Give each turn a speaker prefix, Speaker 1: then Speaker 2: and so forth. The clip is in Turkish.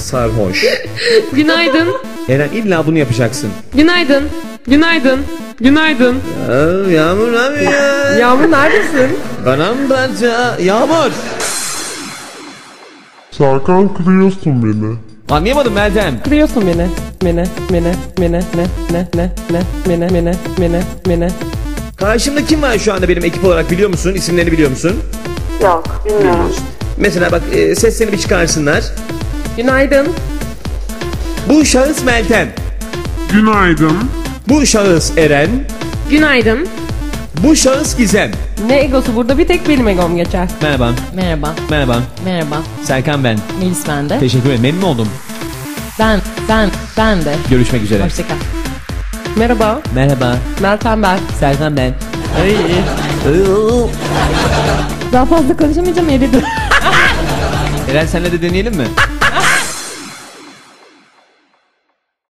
Speaker 1: sarhoş.
Speaker 2: Günaydın.
Speaker 1: Eren illa bunu yapacaksın.
Speaker 2: Günaydın. Günaydın. Günaydın.
Speaker 1: Yağmur abi ya.
Speaker 2: Yağmur neredesin?
Speaker 1: Paramparça. Yağmur.
Speaker 3: Serkan kırıyorsun beni.
Speaker 1: Anlayamadım Meltem.
Speaker 2: Kırıyorsun beni. Mene.
Speaker 1: Karşımda kim var şu anda benim ekip olarak biliyor musun? İsimlerini biliyor musun?
Speaker 4: Yok, bilmiyorum.
Speaker 1: Mesela bak seslerini bir çıkarsınlar.
Speaker 2: Günaydın.
Speaker 1: Bu şahıs Meltem.
Speaker 3: Günaydın.
Speaker 1: Bu şahıs Eren.
Speaker 2: Günaydın.
Speaker 1: Bu şahıs Gizem.
Speaker 2: Ne egosu, burada bir tek benim egom geçer.
Speaker 1: Merhaba.
Speaker 5: Merhaba.
Speaker 1: Merhaba.
Speaker 5: Merhaba.
Speaker 1: Serkan ben.
Speaker 5: Melis ben de.
Speaker 1: Teşekkür ederim. Memnun oldum.
Speaker 5: Ben de.
Speaker 1: Görüşmek üzere.
Speaker 5: Hoşça kal.
Speaker 2: Merhaba.
Speaker 1: Merhaba.
Speaker 2: Meltem ben.
Speaker 1: Serkan ben.
Speaker 2: Daha fazla konuşamayacağım, eridim.
Speaker 1: Eren senle de deneyelim mi?